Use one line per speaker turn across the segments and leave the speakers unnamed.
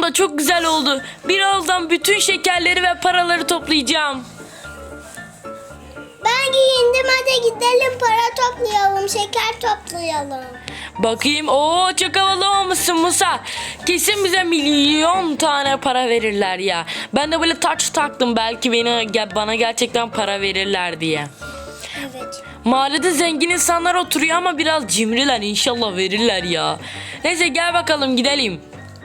abla çok güzel oldu. Birazdan bütün şekerleri ve paraları toplayacağım.
Ben giyindim, hadi gidelim para toplayalım, şeker toplayalım.
Bakayım. Oo, çok havalı olmuşsun Musa. Kesin bize milyon tane para verirler ya. Ben de böyle taç taktım, belki bana gerçekten para verirler diye.
Evet.
Mahallede zengin insanlar oturuyor ama biraz cimriler, inşallah verirler ya. Neyse gel bakalım gidelim.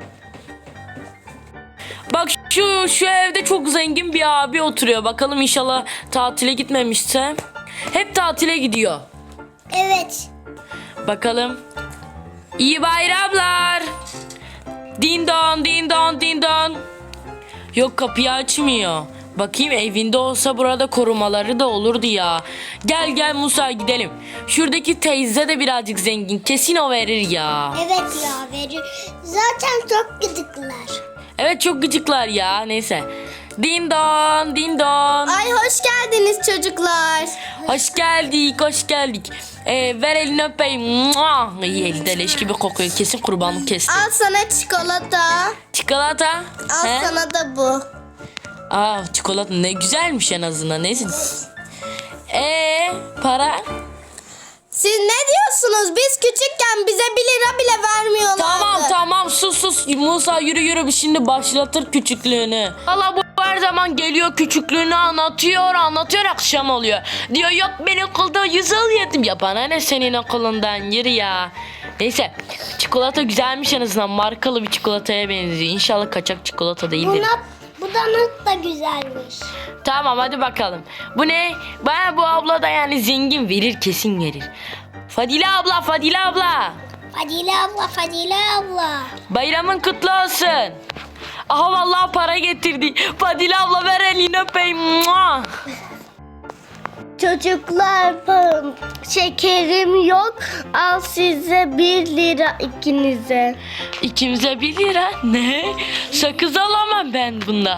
Bak şu evde çok zengin bir abi oturuyor. Bakalım inşallah tatile gitmemişse. Hep tatile gidiyor.
Evet.
Bakalım. İyi bayramlar. Din don din don din don. Yok, kapıyı açmıyor. Bakayım, evinde olsa burada korumaları da olurdu ya. Gel Musa gidelim. Şuradaki teyze de birazcık zengin. Kesin o verir ya.
Evet ya, veriyor. Zaten çok gıdıklar.
Evet, çok gıcıklar ya. Neyse. Din don din don.
Ay hoş geldiniz çocuklar.
Hoş geldik. Ver elini öpeyim. Mua! İyi, elde leş gibi kokuyor. Kesin kurbanlık kesti.
Al sana çikolata.
Çikolata.
Al
He?
sana da bu.
Aa, çikolata ne güzelmiş en azından. Neyse. Para?
Siz ne diyorsunuz? Biz küçükken bize 1 lira bile vermiyorlardı.
Tamam sus. Musa yürü şimdi başlatır küçüklüğünü. Valla bu her zaman geliyor, küçüklüğünü anlatıyor akşam oluyor. Diyor yok, ben okulda 100 yedim. Ya bana ne senin okulundan, yürü ya. Neyse, çikolata güzelmiş en azından, markalı bir çikolataya benziyor. İnşallah kaçak çikolata değildir.
Bu donut da güzelmiş.
Tamam hadi bakalım. Bu ne? Bana bu abla da yani zengin, verir, kesin verir. Fadile abla.
Fadile abla.
Bayramın kutlu olsun. Aha vallahi para getirdi. Fadile abla ver elini öpeyim. Mua!
Çocuklar, şekerim yok. Al size 1 lira ikinize.
İkimize 1 lira. Ne? Sakız alamam ben bunda.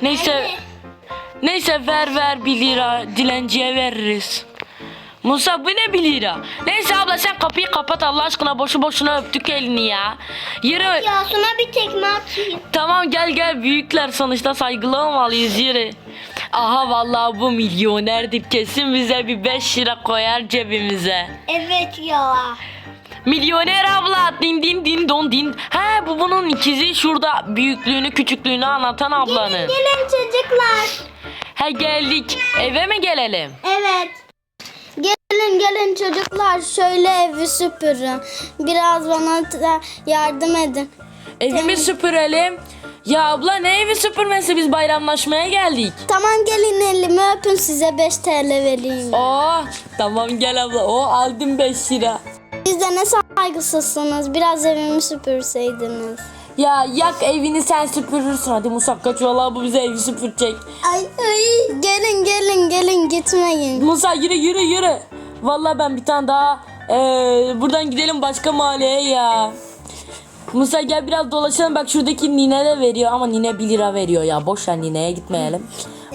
Neyse ver 1 lira. Dilenciye veririz. Musa bu ne 1 lira? Neyse abla sen kapıyı kapat Allah aşkına, boşu boşuna öptük elini ya. Yürü.
Ya sana bir tekme atayım.
Tamam gel büyükler sonuçta, saygılı olmalıyız, yürü. Aha vallahi bu milyonerdir, kesin bize bir 5 lira koyar cebimize.
Evet ya.
Milyoner abla, din don din. Ha, bu bunun ikizi, şurada büyüklüğünü küçüklüğünü anlatan ablanın.
Gelin çocuklar.
Ha, geldik, eve mi gelelim?
Evet. Gelin çocuklar, şöyle evi süpürün. Biraz bana da yardım edin.
Evimi süpürelim. Ya abla ne evi süpürmesi, biz bayramlaşmaya geldik.
Tamam gelin, elimi öpün, size 5 TL vereyim.
Tamam gel abla, aldım 5 lira.
Siz de ne saygısızsınız, biraz evimi süpürseydiniz.
Ya yak evini, sen süpürürsün. Hadi Musa kaç, vallahi bu bize evi süpürecek.
Ay. Gelin gitmeyin.
Musa yürü. Vallahi ben bir tane daha buradan gidelim başka mahalleye ya. Musa gel biraz dolaşalım, bak şuradaki nine de veriyor ama nine 1 lira veriyor ya. Boş ver, nineye gitmeyelim.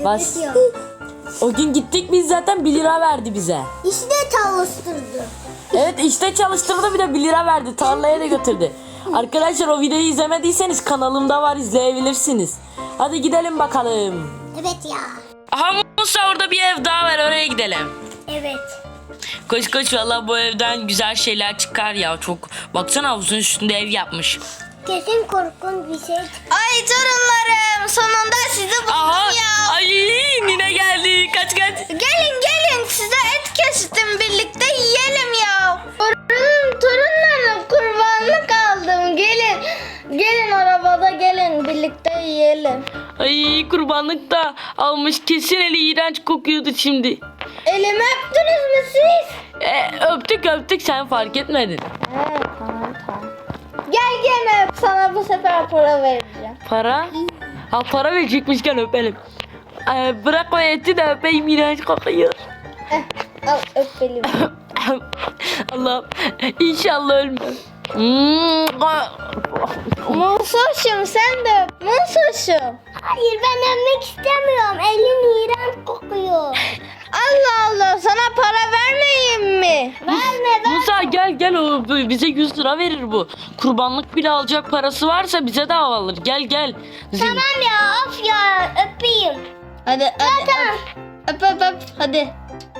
O gün gittik biz, zaten 1 lira verdi bize.
İşte çalıştırdı.
Evet işte çalıştırdı, bir de 1 lira verdi, tarlaya da götürdü. Arkadaşlar o videoyu izlemediyseniz kanalımda var, izleyebilirsiniz. Hadi gidelim bakalım.
Evet ya.
Aha Musa, orada bir ev daha var, oraya gidelim.
Evet.
Koş valla, bu evden güzel şeyler çıkar ya, çok. Baksana, havuzun üstünde ev yapmış.
Kesin korkunç bir şey. Ay torunlarım, sonunda sizi buldum ya.
Ay nine geldi, kaç.
Gelin size et kestim, birlikte yiyelim ya. Torunlarım, kurbanlık aldım, gelin arabada, gelin birlikte yiyelim.
Ay kurbanlık da almış, kesin eli iğrenç kokuyordu şimdi.
Elimi öptünüz mü siz?
Öptük, sen fark etmedin.
Evet, tamam. Gel öp, sana bu sefer para vereceğim.
Para? Ha, para verecekmişken öpelim. Bırak o eti de öpeyim, iğrenç kokuyor.
Al öp elimi.
Allah'ım inşallah ölmem.
Musoşum, sen de öp. Musoşum. Hayır, ben öpmek istemiyorum. Elin iğrenç kokuyor. Allah Allah, sana para vermeyeyim mi? Verme.
Musa gel o bize 100 lira verir bu. Kurbanlık bile alacak parası varsa bize de alır. Gel.
Tamam ya, of ya, öpeyim.
Hadi öp hadi.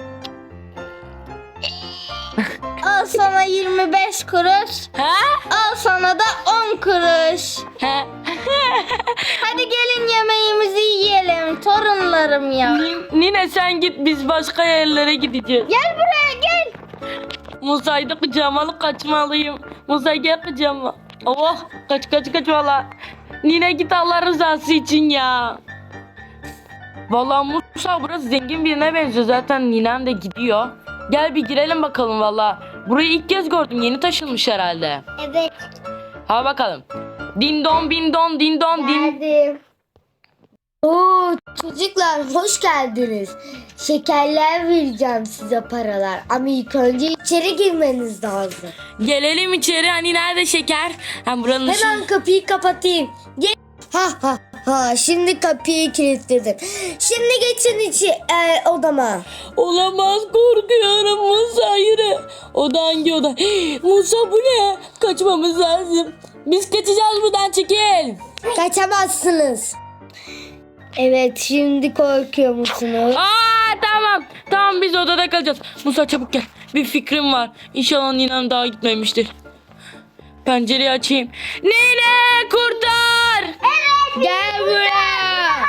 Al sana 25 kuruş.
He?
Al sana da 10 kuruş.
He?
Hadi gelin yemeğimizi yiyelim torunlarım ya.
Nine sen git, biz başka yerlere gideceğiz.
Gel buraya gel.
Musa'yı da kucağıma alıp kaçmalıyım. Musa gel kucağıma. Oh kaç valla. Nine git Allah rızası için ya. Valla Musa burası zengin birine benziyor, zaten ninem de gidiyor. Gel bir girelim bakalım valla. Burayı ilk kez gördüm, yeni taşınmış herhalde.
Evet,
Ha bakalım. Din don bin don din don din.
geldim. Oo, çocuklar hoş geldiniz. Şekerler vereceğim size, paralar. Ama ilk önce içeri girmeniz lazım.
Gelelim içeri, hani nerede şeker? Ha buranın
Hemen kapıyı kapatayım. Gel. Ha, şimdi kapıyı kilitledim. Şimdi geçin odama.
Olamaz, korkuyorum Musa, yürü. Oda hangi oda? Musa bu ne? Kaçmamız lazım. Biz kaçacağız buradan, çekil.
Kaçamazsınız. Evet, şimdi korkuyor musunuz?
Tamam biz odada kalacağız. Musa çabuk gel. Bir fikrim var. İnşallah ninem daha gitmemiştir. Pencereyi açayım. Nine kurtar.
Gel buraya.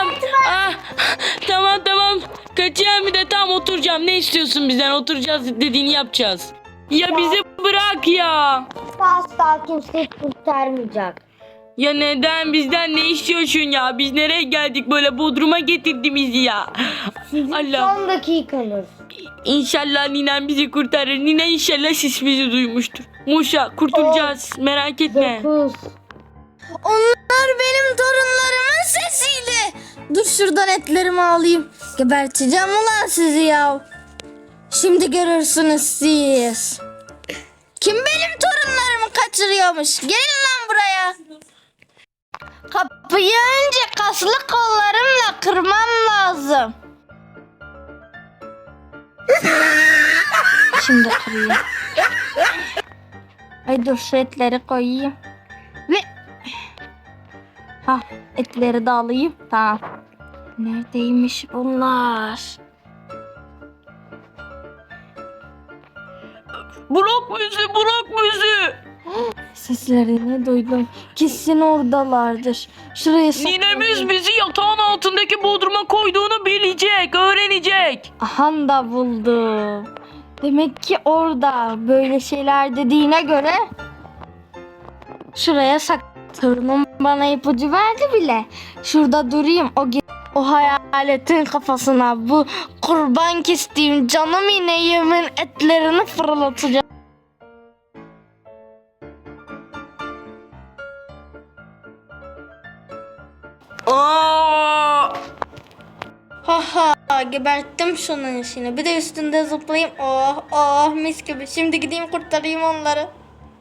Tamam. Kaçacağım bir de, tam oturacağım. Ne istiyorsun bizden? Oturacağız, dediğini yapacağız. Ya bizi bırak ya.
Asla kimse kurtarmayacak.
Ya neden, bizden ne istiyorsun ya? Biz nereye geldik böyle, Bodrum'a getirdi bizi ya. Allah.
Son dakikanız.
İnşallah ninem bizi kurtarır. Nine inşallah sesimizi duymuştur. Musa kurtulacağız, merak etme.
9.
Onlar benim torunlarımın sesiydi. Dur şuradan etlerimi alayım. Geberteceğim ulan sizi ya. Şimdi görürsünüz siz. Kim benim torunlarımı kaçırıyormuş? Gelin lan buraya. Kapıyı önce kaslı kollarımla kırmam lazım. Şimdi kırayım. Ay dur, şu etleri koyayım. Ve etleri de alayım. Tamam. Neredeymiş bunlar?
Bırak bizi.
Seslerini duydum. Kesin oradalardır. Şuraya
Ninemiz bizi yatağın altındaki bodruma koyduğunu bilecek, öğrenecek.
Ahan da buldum. Demek ki orada böyle şeyler dediğine göre şuraya torunum bana ipucu verdi bile. Şurada durayım, o hayaletin kafasına bu kurban kestiğim canım ineğimin etlerini fırlatacağım.
Aa!
Ha geberttim şunun işini. Bir de üstünde zıplayayım. Oh mis gibi. Şimdi gideyim kurtarayım onları.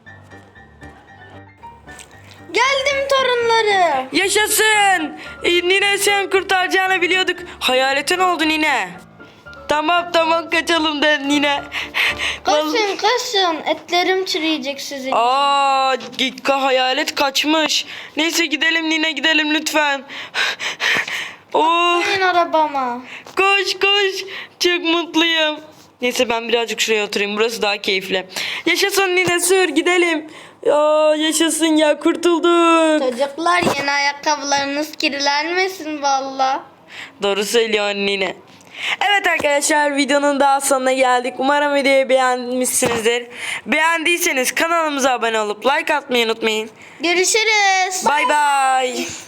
Geldim torunlarım.
Yaşasın. Nine sen kurtaracağını biliyorduk. Hayaletin oldu Nine. Tamam kaçalım da Nine.
Kaçın. Etlerim çürüyecek sizin.
Hayalet kaçmış. Neyse gidelim Nine, gidelim lütfen. Oh,
Gelin arabama.
koş. Çok mutluyum. Neyse ben birazcık şuraya oturayım. Burası daha keyifli. Yaşasın Nine, sür gidelim. Yaşasın ya, kurtulduk.
Çocuklar, yeni ayakkabılarınız kirlenmesin valla.
Doğru söylüyor Nine. Evet arkadaşlar, videonun daha sonuna geldik. Umarım videoyu beğenmişsinizdir. Beğendiyseniz kanalımıza abone olup like atmayı unutmayın.
Görüşürüz.
Bye bye.